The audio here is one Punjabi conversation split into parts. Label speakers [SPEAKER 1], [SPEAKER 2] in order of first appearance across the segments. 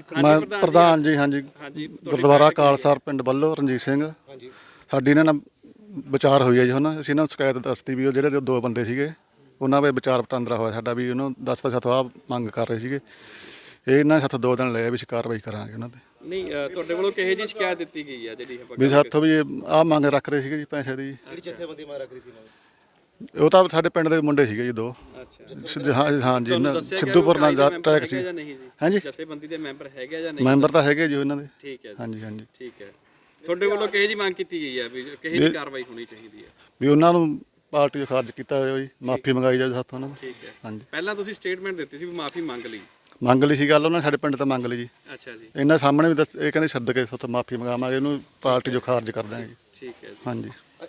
[SPEAKER 1] ਮੈਂ ਪ੍ਰਧਾਨ ਜੀ। ਹਾਂਜੀ, ਗੁਰਦੁਆਰਾ ਕਾਲਸਰ ਪਿੰਡ ਵੱਲੋਂ ਰਣਜੀਤ ਸਿੰਘ। ਸਾਡੀ ਇਹਨਾਂ ਨਾਲ ਵਿਚਾਰ ਹੋਈ ਹੈ ਜੀ। ਹੁਣ ਅਸੀਂ ਇਹਨਾਂ ਨੂੰ ਸ਼ਿਕਾਇਤ ਦੱਸਤੀ ਵੀ ਉਹ ਜਿਹੜੇ ਦੋ ਬੰਦੇ ਸੀਗੇ ਉਹਨਾਂ ਵੇ ਵਿਚਾਰ ਵਟਾਂਦਰਾ ਹੋਇਆ ਸਾਡਾ ਵੀ ਉਹਨੂੰ ਦੱਸਤਾ ਸਾਥੋਂ ਆਹ ਮੰਗ ਕਰ ਰਹੇ ਸੀਗੇ। ਇਹ ਇਹਨਾਂ ਸਾਥੋਂ 2 ਦਿਨ ਲਏ ਵੀ ਅਸੀਂ ਕਾਰਵਾਈ ਕਰਾਂਗੇ ਉਹਨਾਂ 'ਤੇ।
[SPEAKER 2] ਨਹੀਂ ਤੁਹਾਡੇ ਵੱਲੋਂ ਕਿਹੋ ਜਿਹੀ ਸ਼ਿਕਾਇਤ ਦਿੱਤੀ ਗਈ ਹੈ ਜਿਹੜੀ
[SPEAKER 1] ਵੀ ਸਾਥੋਂ ਵੀ ਆਹ ਮੰਗ ਰੱਖ ਰਹੇ ਸੀਗੇ ਜੀ ਪੈਸੇ ਦੀ।
[SPEAKER 3] ਜਿਹੜੀ ਜਥੇਬੰਦੀ ਮੰਗ ਰੱਖ ਰਹੀ ਸੀ
[SPEAKER 1] ਉਹ ਤਾਂ ਸਾਡੇ ਪਿੰਡ ਦੇ ਮੁੰਡੇ ਸੀਗੇ ਜੀ 2। ਹਾਂ ਜੀ, ਸਿੱਧੂਪੁਰ ਨਾਲ ਟਰੈਕ ਸੀ। ਹਾਂਜੀ,
[SPEAKER 2] ਜਥੇਬੰਦੀ ਦੇ ਮੈਂਬਰ ਹੈਗੇ ਜਾਂ ਨਹੀਂ?
[SPEAKER 1] ਮੈਂਬਰ ਤਾਂ ਹੈਗੇ ਜੀ ਉਹਨਾਂ ਦੇ।
[SPEAKER 2] ਠੀਕ ਹੈ,
[SPEAKER 1] ਹਾਂਜੀ ਹਾਂਜੀ,
[SPEAKER 2] ਠੀਕ ਹੈ। ਤੁਹਾਡੇ ਵੱਲੋਂ ਕਿਹੋ ਜਿਹੀ ਮੰਗ ਕੀਤੀ ਗਈ ਹੈ ਵੀ ਕਿਹੋ ਜਿਹੀ ਕਾਰਵਾਈ ਹੋਣੀ ਚਾਹੀਦੀ ਹੈ?
[SPEAKER 1] ਵੀ ਉਹਨਾਂ ਨੂੰ ਪਾਰਟੀ ਤੋਂ ਖਾਰਜ ਕੀਤਾ ਹੋਇਆ ਜੀ, ਮਾਫੀ ਮੰਗਾਈ ਜਾਵੇ ਸਾਥੋਂ ਉਹਨਾਂ ਨੂੰ।
[SPEAKER 2] ਠੀਕ ਹੈ।
[SPEAKER 1] ਹਾਂਜੀ,
[SPEAKER 2] ਪਹਿਲਾਂ ਤੁਸੀਂ ਸਟੇਟਮੈਂਟ ਦਿੱਤੀ ਸੀ ਵੀ ਮਾਫੀ
[SPEAKER 1] ਮੰਗ ਲਈ ਸੀ ਗੱਲ ਉਹਨਾਂ ਨੇ ਸਾਡੇ ਪਿੰਡ ਤੋਂ ਮੰਗ ਲਈ ਜੀ।
[SPEAKER 2] ਅੱਛਾ ਜੀ।
[SPEAKER 1] ਇਹਨਾਂ ਸਾਹਮਣੇ ਵੀ ਇਹ ਕਹਿੰਦੇ ਛੱਡ ਕੇ ਸਾਥੋਂ ਮਾਫੀ ਮੰਗਾਵਾਂਗੇ, ਇਹਨੂੰ ਪਾਰਟੀ ਜੋ ਖਾਰਜ ਕਰ ਦਾਂਗੇ ਜੀ।
[SPEAKER 2] ਠੀਕ ਹੈ ਜੀ।
[SPEAKER 1] ਹਾਂਜੀ,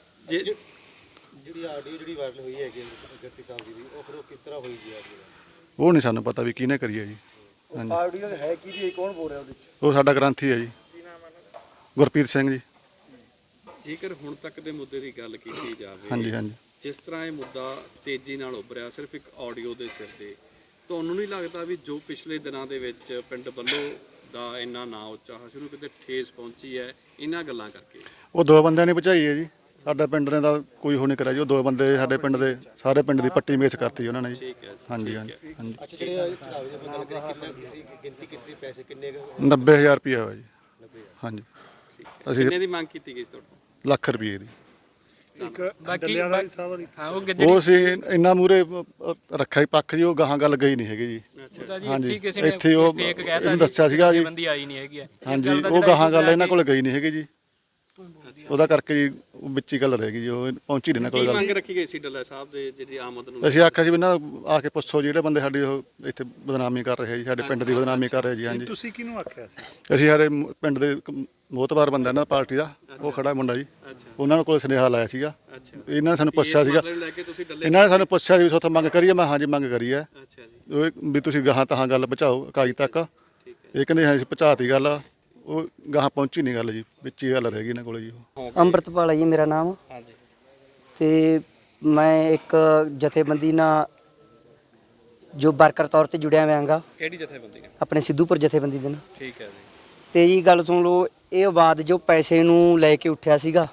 [SPEAKER 3] ਜਿਹੜੀ ਆਡੀਓ ਜਿਹੜੀ ਵਾਇਰਲ ਹੋਈ ਹੈਗੀ ਗੱਤੀ ਸਾਹਿਬ ਜੀ ਦੀ, ਉਹ ਫਿਰ ਉਹ ਕਿਸ ਤਰ੍ਹਾਂ ਹੋਈ ਜੀ?
[SPEAKER 1] ਉਹ ਨਹੀਂ ਸਾਨੂੰ ਪਤਾ ਵੀ ਕਿਹਨੇ ਕਰੀ ਹੈ ਜੀ। ਹਾਂਜੀ,
[SPEAKER 3] ਆਡੀਓ ਹੈ ਕੀ ਜੀ? ਕੌਣ ਬੋਲ ਰਿਹਾ ਉਹਦੇ ਵਿੱਚ?
[SPEAKER 1] ਉਹ ਸਾਡਾ ਗ੍ਰੰਥੀ ਹੈ ਜੀ, ਗੁਰਪ੍ਰੀਤ ਸਿੰਘ ਜੀ।
[SPEAKER 2] ਜੇਕਰ ਹੁਣ ਤੱਕ ਦੇ ਮੁੱਦੇ ਦੀ ਗੱਲ ਕੀਤੀ ਜਾਵੇ,
[SPEAKER 1] ਹਾਂਜੀ ਹਾਂਜੀ,
[SPEAKER 2] ਜਿਸ ਤਰ੍ਹਾਂ ਇਹ ਮੁੱਦਾ ਤੇਜ਼ੀ ਨਾਲ ਉੱਭਰਿਆ ਸਿਰਫ ਇੱਕ ਆਡੀਓ ਦੇ ਸਿਰ ਤੇ, ਤੁਹਾਨੂੰ ਨਹੀਂ ਲੱਗਦਾ ਵੀ ਜੋ ਪਿਛਲੇ ਦਿਨਾਂ ਦੇ ਵਿੱਚ ਪਿੰਡ ਵੱਲੋਂ ਦਾ ਇੰਨਾ ਨਾਂ ਉੱਚਾ ਸ਼ੁਰੂ ਕਿਤੇ ਠੇਸ ਪਹੁੰਚੀ ਹੈ ਇਹਨਾਂ ਗੱਲਾਂ ਕਰਕੇ?
[SPEAKER 1] ਉਹ 2 ਬੰਦਿਆਂ ਨੇ ਭਜਾਈ ਹੈ ਜੀ। ਸਾਡਾ ਪਿੰਡ ਨੇ ਤਾਂ ਕੋਈ ਹੋ ਨਹੀਂ ਕਰਿਆ ਜੀ। ਉਹ 2 ਬੰਦੇ ਸਾਡੇ ਪਿੰਡ ਦੇ ਸਾਰੇ ਪਿੰਡ ਦੀ ਪੱਟੀ ਮੇਚ ਕਰਤੀ ਉਹਨਾਂ ਨੇ ਜੀ।
[SPEAKER 2] ਠੀਕ ਹੈ ਜੀ।
[SPEAKER 1] ਹਾਂਜੀ ਹਾਂਜੀ ਹਾਂਜੀ।
[SPEAKER 3] ਅੱਛਾ, ਜਿਹੜੇ ਚੜਾਵੇ ਦੀ ਗੱਲ ਕਰੀ ਕਿੰਨੇ ਸੀ ਗਿਣਤੀ ਕੀਤੀ ਪੈਸੇ ਕਿੰਨੇ?
[SPEAKER 1] 90,000 ਰੁਪਇਆ ਹੋਇਆ ਜੀ। ਹਾਂਜੀ,
[SPEAKER 2] ਅਸੀਂ ਕਿੰਨੇ ਦੀ ਮੰਗ ਕੀਤੀ ਗਈ ਸੀ ਤੁਹਾਡੇ ਤੋਂ?
[SPEAKER 1] ਲੱਖ ਰੁਪਏ ਦੀ।
[SPEAKER 4] ਬਾਕੀ ਹਾਂ
[SPEAKER 1] ਉਹ ਸੀ ਇੰਨਾ ਮੂਰੇ ਰੱਖਿਆ ਹੀ ਪੱਖ ਜੀ, ਉਹ ਗਾਹਾਂ ਗੱਲ ਗਈ ਨਹੀਂ ਹੈਗੀ ਜੀ।
[SPEAKER 4] ਹਾਂਜੀ, ਇੱਥੇ
[SPEAKER 1] ਉਹ ਇਹਨੂੰ ਦੱਸਿਆ ਸੀਗਾ ਜੀ।
[SPEAKER 4] ਬੰਦੀ ਆਈ ਨਹੀਂ ਹੈਗੀ।
[SPEAKER 1] ਹਾਂਜੀ, ਉਹ ਗਾਹਾਂ ਗੱਲ ਇਹਨਾਂ ਕੋਲ ਗਈ ਨਹੀਂ ਹੈਗੀ ਜੀ। ਉਹਦਾ ਕਰਕੇ ਜੀ ਉਹ ਵਿੱਚ ਹੀ ਗੱਲ ਰਹਿ ਗਈ ਜੀ, ਉਹ ਪਹੁੰਚੀ ਨਹੀਂ ਇਹਨਾਂ ਕੋਲ ਗੱਲ।
[SPEAKER 2] ਮੰਗ ਰੱਖੀ ਗਈ ਸੀ ਡੱਲਾ ਸਾਹਿਬ ਦੇ ਜਿਹੜੀ ਆਮਦ ਨੂੰ?
[SPEAKER 1] ਅਸੀਂ ਆਖਿਆ ਸੀ ਵੀ ਇਹਨਾਂ ਆ ਕੇ ਪੁੱਛੋ ਜਿਹੜੇ ਬੰਦੇ ਸਾਡੀ ਉਹ ਇੱਥੇ ਬਦਨਾਮੀ ਕਰ ਰਹੇ ਜੀ, ਸਾਡੇ ਪਿੰਡ ਦੀ ਬਦਨਾਮੀ ਕਰ ਰਹੇ ਜੀ। ਹਾਂਜੀ,
[SPEAKER 3] ਤੁਸੀਂ ਕਿਹਨੂੰ ਆਖਿਆ ਸੀ?
[SPEAKER 1] ਅਸੀਂ ਸਾਡੇ ਪਿੰਡ ਦੇ ਮੋਹਤਬਾਰ ਬੰਦਾ ਨਾ ਪਾਰਟੀ ਦਾ, ਉਹ ਖੜਾ ਮੁੰਡਾ ਜੀ, ਉਹਨਾਂ ਕੋਲ ਸੁਨੇਹਾ ਲਾਇਆ ਸੀਗਾ। ਇਹਨਾਂ ਨੇ ਸਾਨੂੰ ਪੁੱਛਿਆ ਸੀਗਾ, ਇਹਨਾਂ ਨੇ ਸਾਨੂੰ ਪੁੱਛਿਆ ਵੀ ਸੋਥੋਂ ਮੰਗ ਕਰੀਏ। ਮੈਂ ਹਾਂਜੀ ਮੰਗ ਕਰੀ ਹੈ ਵੀ ਤੁਸੀਂ ਗਾਹਾਂ ਤਹਾਂ ਗੱਲ ਪਹੁੰਚਾਓ ਇਕਾਈ ਤੱਕ। ਇਹ ਕਹਿੰਦੇ ਹਾਂ ਅਸੀਂ ਪਹੁੰਚਾਤੀ ਗੱਲ, ਉਹ ਗਾਹਾਂ ਪਹੁੰਚੀ ਨਹੀਂ ਗੱਲ ਜੀ, ਵਿੱਚ ਹੀ ਗੱਲ ਰਹਿ ਗਈ ਇਹਨਾਂ ਕੋਲ ਜੀ।
[SPEAKER 5] ਅੰਮ੍ਰਿਤਪਾਲ ਹੈ ਜੀ ਮੇਰਾ ਨਾਮ। ਤੇ ਮੈਂ ਇੱਕ ਜਥੇਬੰਦੀ ਨਾਲ ਜੋ ਵਰਕਰ ਤੌਰ ਤੇ ਜੁੜਿਆ ਹੋਇਆਗਾ।
[SPEAKER 2] ਕਿਹੜੀ ਜਥੇਬੰਦੀ ਨਾਲ?
[SPEAKER 5] ਆਪਣੇ ਸਿੱਧੂਪੁਰ ਜਥੇਬੰਦੀ ਦੇ ਨਾਲ।
[SPEAKER 2] ਠੀਕ ਹੈ ਜੀ।
[SPEAKER 5] ਤੇ ਜੀ ਗੱਲ ਸੁਣ ਲਓ, ਇਹ ਆਵਾਜ਼ ਜੋ ਪੈਸੇ ਨੂੰ ਲੈ ਕੇ ਉੱਠਿਆ ਸੀਗਾ,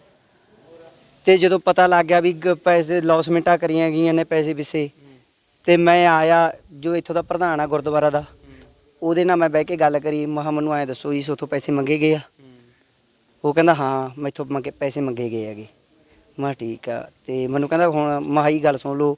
[SPEAKER 5] ਤੇ ਜਦੋਂ ਪਤਾ ਲੱਗ ਗਿਆ ਵੀ ਪੈਸੇ ਲੌਸਮੈਂਟਾਂ ਕਰੀਆਂ ਗਈਆਂ ਨੇ ਪੈਸੇ ਪਿੱਛੇ, ਤੇ ਮੈਂ ਆਇਆ ਜੋ ਇੱਥੋਂ ਦਾ ਪ੍ਰਧਾਨ ਆ ਗੁਰਦੁਆਰਾ ਦਾ, ਉਹਦੇ ਨਾਲ ਮੈਂ ਬਹਿ ਕੇ ਗੱਲ ਕਰੀ। ਮੈਂ ਕਿਹਾ ਮੈਨੂੰ ਐਂ ਦੱਸੋ ਜੀ ਉੱਥੋਂ ਪੈਸੇ ਮੰਗੇ ਗਏ ਆ? ਉਹ ਕਹਿੰਦਾ ਹਾਂ ਮੈਥੋਂ ਪੈਸੇ ਮੰਗੇ ਗਏ ਹੈਗੇ। ਮੈਂ ਠੀਕ ਆ। ਤੇ ਮੈਨੂੰ ਕਹਿੰਦਾ ਹੁਣ ਮਹਾਈ ਗੱਲ ਸੁਣ ਲਓ,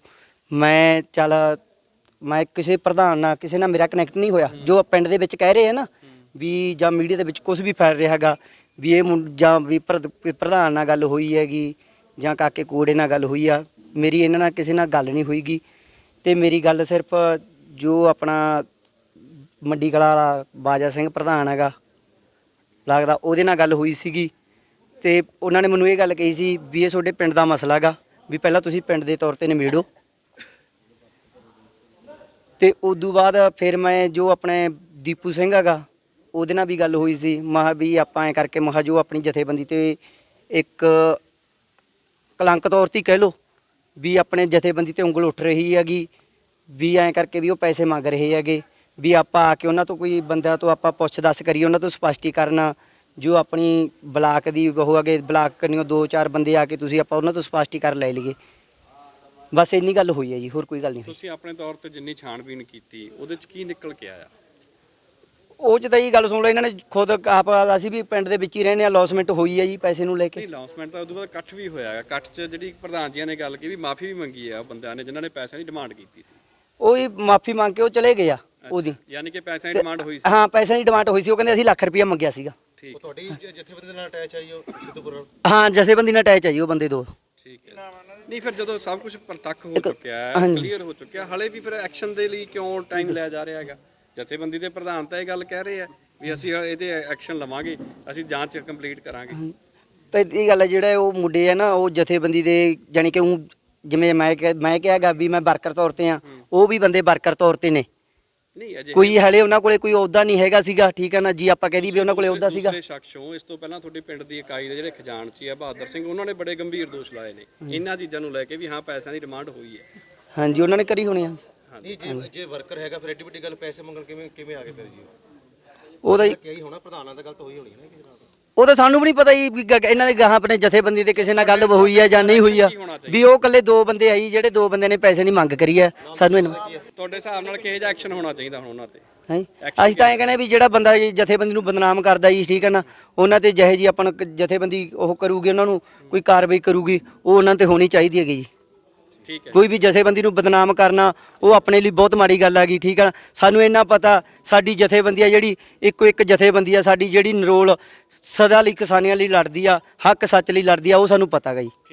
[SPEAKER 5] ਮੈਂ ਕਿਸੇ ਪ੍ਰਧਾਨ ਨਾਲ ਕਿਸੇ ਨਾਲ ਮੇਰਾ ਕਨੈਕਟ ਨਹੀਂ ਹੋਇਆ। ਜੋ ਪਿੰਡ ਦੇ ਵਿੱਚ ਕਹਿ ਰਹੇ ਆ ਨਾ ਵੀ ਜਾਂ ਮੀਡੀਆ ਦੇ ਵਿੱਚ ਕੁਝ ਵੀ ਫੈਲ ਰਿਹਾ ਹੈਗਾ ਵੀ ਇਹ ਜਾਂ ਵੀ ਪ੍ਰਧਾਨ ਨਾਲ ਗੱਲ ਹੋਈ ਹੈਗੀ ਜਾਂ ਕਾਕੇ ਕੋੜੇ ਨਾਲ ਗੱਲ ਹੋਈ ਆ, ਮੇਰੀ ਇਹਨਾਂ ਨਾਲ ਕਿਸੇ ਨਾਲ ਗੱਲ ਨਹੀਂ ਹੋਈਗੀ। ਤੇ ਮੇਰੀ ਗੱਲ ਸਿਰਫ ਜੋ ਆਪਣਾ ਮੰਡੀ ਕਲਾ ਵਾਲਾ ਬਾਜਾ ਸਿੰਘ ਪ੍ਰਧਾਨ ਹੈਗਾ ਲੱਗਦਾ, ਉਹਦੇ ਨਾਲ ਗੱਲ ਹੋਈ ਸੀਗੀ। ਤੇ ਉਹਨਾਂ ਨੇ ਮੈਨੂੰ ਇਹ ਗੱਲ ਕਹੀ ਸੀ ਵੀ ਇਹ ਤੁਹਾਡੇ ਪਿੰਡ ਦਾ ਮਸਲਾ ਹੈਗਾ, ਵੀ ਪਹਿਲਾਂ ਤੁਸੀਂ ਪਿੰਡ ਦੇ ਤੌਰ ਤੇ ਨਿਬੇੜੋ। ਤੇ ਉਦੋਂ ਬਾਅਦ ਫਿਰ ਮੈਂ ਜੋ ਆਪਣੇ ਦੀਪੂ ਸਿੰਘ ਹੈਗਾ ਉਹਦੇ ਨਾਲ ਵੀ ਗੱਲ ਹੋਈ ਸੀ। ਮਹਾ ਵੀ ਆਪਾਂ ਐਂ ਕਰਕੇ ਮਹਾ ਜੋ ਆਪਣੀ ਜਥੇਬੰਦੀ ਤੇ ਇੱਕ ਕਲੰਕ ਤੌਰ ਤੇ ਕਹਿ ਲਓ ਵੀ ਆਪਣੇ ਜਥੇਬੰਦੀ ਤੇ ਉਂਗਲ ਉੱਠ ਰਹੀ ਹੈਗੀ, ਵੀ ਐਂ ਕਰਕੇ ਵੀ ਉਹ ਪੈਸੇ ਮੰਗ ਰਹੇ ਹੈਗੇ, ਵੀ ਆਪਾਂ ਆ ਕੇ ਉਹਨਾਂ ਤੋਂ ਕੋਈ ਬੰਦਿਆਂ ਤੋਂ ਆਪਾਂ ਪੁੱਛ ਦੱਸ ਕਰੀਏ, ਉਹਨਾਂ ਤੋਂ ਸਪਸ਼ਟੀਕਰਨ ਜੋ ਆਪਣੀ ਬਲਾਕ ਦੀ ਉਹ ਹੈਗੇ ਬਲਾਕ ਕਰਨੀਓ 2-4 ਬੰਦੇ ਆ ਕੇ ਤੁਸੀਂ ਆਪਾਂ ਉਹਨਾਂ ਤੋਂ ਸਪਸ਼ਟੀਕਰਨ ਲੈ ਲਈਏ। ਬਸ ਇੰਨੀ ਗੱਲ ਹੋਈ ਹੈ ਜੀ, ਹੋਰ ਕੋਈ ਗੱਲ ਨਹੀਂ।
[SPEAKER 2] ਤੁਸੀਂ ਆਪਣੇ ਤੌਰ ਤੇ ਜਿੰਨੀ ਛਾਣਬੀਨ ਕੀਤੀ ਉਹਦੇ ਚ ਕੀ ਨਿਕਲ ਕੇ ਆਇਆ?
[SPEAKER 5] ਉਹ ਚ ਤਾਂ ਇਹ ਗੱਲ ਸੁਣ ਲਓ, ਇਹਨਾਂ ਨੇ ਖੁਦ ਆਪ ਅਸੀਂ ਵੀ ਪਿੰਡ ਦੇ ਵਿੱਚ ਹੀ ਰਹਿੰਦੇ ਆ, ਲੌਸਮੈਂਟ ਹੋਈ ਹੈ ਜੀ ਪੈਸੇ ਨੂੰ ਲੈ ਕੇ।
[SPEAKER 2] ਨਹੀਂ ਲੌਸਮੈਂਟ ਤਾਂ ਉਦੋਂ ਬਾਅਦ ਇਕੱਠ ਵੀ ਹੋਇਆ ਹੈ। ਇਕੱਠ 'ਚ ਜਿਹੜੀ ਪ੍ਰਧਾਨ ਜੀਆਂ ਨੇ ਗੱਲ ਕੀਤੀ ਵੀ ਮਾਫੀ ਵੀ ਮੰਗੀ ਆ ਬੰਦਿਆਂ ਨੇ ਜਿਨ੍ਹਾਂ ਨੇ ਪੈਸਿਆਂ ਦੀ ਡਿਮਾਂਡ ਕੀਤੀ ਸੀ।
[SPEAKER 5] ਉਹ ਹੀ ਮਾਫੀ ਮੰਗ ਕੇ ਉਹ ਚਲੇ ਗਏ ਆ ਉਹਦੀ।
[SPEAKER 2] ਯਾਨੀ ਕਿ ਪੈਸਿਆਂ ਦੀ ਡਿਮਾਂਡ ਹੋਈ ਸੀ?
[SPEAKER 5] ਹਾਂ ਪੈਸਿਆਂ ਦੀ ਡਿਮਾਂਡ ਹੋਈ ਸੀ। ਉਹ ਕਹਿੰਦੇ ਅਸੀਂ ਲੱਖ ਰੁਪਇਆ ਮੰਗਿਆ ਸੀਗਾ।
[SPEAKER 2] ਠੀਕ।
[SPEAKER 3] ਉਹ ਤੁਹਾਡੀ ਜਥੇਬੰਦੀ ਦੇ ਨਾਲ ਅਟੈਚ ਆਈ ਉਹ ਸਿੱਧੂਪੁਰ?
[SPEAKER 5] ਹਾਂ ਜਥੇਬੰਦੀ ਨਾਲ ਅਟੈਚ ਆਈ ਉਹ ਬੰਦੇ 2।
[SPEAKER 2] ਠੀਕ ਹੈ। ਨਹੀਂ ਫਿਰ ਜਦੋਂ ਸਭ ਕੁਝ ਪ੍ਰਤੱਖ ਹੋ ਚੁੱਕਿਆ ਹੈ, ਕਲੀਅਰ ਹੋ ਚੁੱਕਿਆ, ਹਲੇ ਵੀ ਫਿਰ ਐਕਸ਼ਨ ਦੇ ਲਈ ਕਿਉਂ ਟਾਈਮ ਲਿਆ ਜਾ ਰਿਹਾ ਹੈਗਾ? ਜਥੇਬੰਦੀ ਦੇ ਪ੍ਰਧਾਨ ਤਾਂ ਇਹ ਗੱਲ ਕਹਿ ਰਹੇ ਆ ਵੀ ਅਸੀਂ ਇਹਦੇ ਐਕਸ਼ਨ ਲਵਾਂਗੇ, ਅਸੀਂ ਜਾਂਚ ਕੰਪਲੀਟ ਕਰਾਂਗੇ।
[SPEAKER 5] ਤੇ ਇਹ ਗੱਲ ਹੈ ਜਿਹੜਾ ਉਹ ਮੁੰਡੇ ਆ ਨਾ ਉਹ ਜਥੇਬੰਦੀ ਦੇ ਜਾਣੀ ਕਿ ਉਹ ਜਿਵੇਂ ਮੈਂ ਕਿਹਾਗਾ ਵੀ ਮੈਂ ਵਰਕਰ ਤੌਰ ਤੇ ਆ, ਉਹ ਵੀ ਬੰਦੇ ਵਰਕਰ ਤੌਰ ਤੇ ਨੇ।
[SPEAKER 2] ਨਹੀਂ ਅਜੇ
[SPEAKER 5] ਕੋਈ ਹਲੇ ਉਹਨਾਂ ਕੋਲੇ ਕੋਈ ਅਹੁਦਾ ਨਹੀਂ ਹੈਗਾ ਸੀਗਾ। ਠੀਕ ਹੈ ਨਾ ਜੀ, ਆਪਾਂ ਕਹਿ ਦਈਏ ਵੀ ਉਹਨਾਂ ਕੋਲੇ ਅਹੁਦਾ ਸੀਗਾ।
[SPEAKER 2] ਦੂਸਰੇ ਸ਼ਖਸੋਂ ਇਸ ਤੋਂ ਪਹਿਲਾਂ ਤੁਹਾਡੇ ਪਿੰਡ ਦੀ ਇਕਾਈ ਦੇ ਜਿਹੜੇ ਖਜ਼ਾਨਚੀ ਆ ਬਹਾਦਰ ਸਿੰਘ, ਉਹਨਾਂ ਨੇ ਬੜੇ ਗੰਭੀਰ ਦੋਸ਼ ਲਾਏ ਨੇ ਇਹਨਾਂ ਚੀਜ਼ਾਂ ਨੂੰ ਲੈ ਕੇ ਵੀ ਹਾਂ ਪੈਸਿਆਂ ਦੀ ਡਿਮਾਂਡ ਹੋਈ ਹੈ।
[SPEAKER 5] ਹਾਂਜੀ ਉਹਨਾਂ ਨੇ ਕਰੀ ਹੋਣੀ ਆ।
[SPEAKER 3] ਨਹੀਂ ਜੇ ਵਰਕਰ ਹੈਗਾ ਫਿਰ ਐਡੀ ਵੱਡੀ ਗੱਲ ਪੈਸੇ ਮੰਗਣ ਕਿਵੇਂ ਆ ਗਏ ਫਿਰ ਜੀ?
[SPEAKER 5] ਉਹਦਾ ਜੀ
[SPEAKER 3] ਕਿਹਾ ਹੀ ਹੋਣਾ, ਪ੍ਰਧਾਨਾਂ ਦਾ ਗਲਤ ਹੋਈ ਹੋਣੀ ਹੈ ਨਾ ਕਿਸੇ ਨਾਲ।
[SPEAKER 5] ਉਹ ਤਾਂ ਸਾਨੂੰ ਵੀ ਨਹੀਂ ਪਤਾ ਜੀ ਵੀ ਇਹਨਾਂ ਦੇ ਗਾਹਾਂ ਆਪਣੇ ਜਥੇਬੰਦੀ ਦੇ ਕਿਸੇ ਨਾਲ ਗੱਲ ਹੋਈ ਆ ਜਾਂ ਨਹੀਂ ਹੋਈ ਆ, ਵੀ ਉਹ ਇਕੱਲੇ 2 ਬੰਦੇ ਆਈ ਜਿਹੜੇ 2 ਬੰਦੇ ਨੇ ਪੈਸੇ ਦੀ ਮੰਗ ਕਰੀ ਆ। ਸਾਨੂੰ
[SPEAKER 2] ਤੁਹਾਡੇ ਹਿਸਾਬ ਨਾਲ ਕਿਹੋ ਜਿਹਾ ਐਕਸ਼ਨ ਹੋਣਾ ਚਾਹੀਦਾ ਹੁਣ ਉਹਨਾਂ ਤੇ?
[SPEAKER 5] ਹੈ ਅਸੀਂ ਤਾਂ ਇਹ ਕਹਿੰਦੇ ਵੀ ਜਿਹੜਾ ਬੰਦਾ ਜੀ ਜਥੇਬੰਦੀ ਨੂੰ ਬਦਨਾਮ ਕਰਦਾ ਜੀ, ਠੀਕ ਹੈ ਨਾ, ਉਹਨਾਂ ਤੇ ਜਿਹੇ ਜੀ ਆਪਾਂ ਨੂੰ ਜਥੇਬੰਦੀ ਉਹ ਕਰੂਗੀ, ਉਹਨਾਂ ਨੂੰ ਕੋਈ ਕਾਰਵਾਈ ਕਰੂਗੀ, ਉਹ ਉਹਨਾਂ ਤੇ ਹੋਣੀ ਚਾਹੀਦੀ ਹੈਗੀ ਜੀ।
[SPEAKER 2] ਠੀਕ ਹੈ।
[SPEAKER 5] ਕੋਈ ਵੀ ਜਥੇਬੰਦੀ ਨੂੰ ਬਦਨਾਮ ਕਰਨਾ ਉਹ ਆਪਣੇ ਲਈ ਬਹੁਤ ਮਾੜੀ ਗੱਲ ਹੈਗੀ, ਠੀਕ ਹੈ। ਸਾਨੂੰ ਇੰਨਾ ਪਤਾ ਸਾਡੀ ਜਥੇਬੰਦੀ ਆ ਜਿਹੜੀ ਇੱਕੋ ਇੱਕ ਜਥੇਬੰਦੀ ਆ ਸਾਡੀ, ਜਿਹੜੀ ਨਰੋਲ ਸਦਾ ਲਈ ਕਿਸਾਨੀਆਂ ਲਈ ਲੜਦੀ ਆ, ਹੱਕ ਸੱਚ ਲਈ ਲੜਦੀ ਆ, ਉਹ ਸਾਨੂੰ ਪਤਾ ਹੈਗਾ ਜੀ।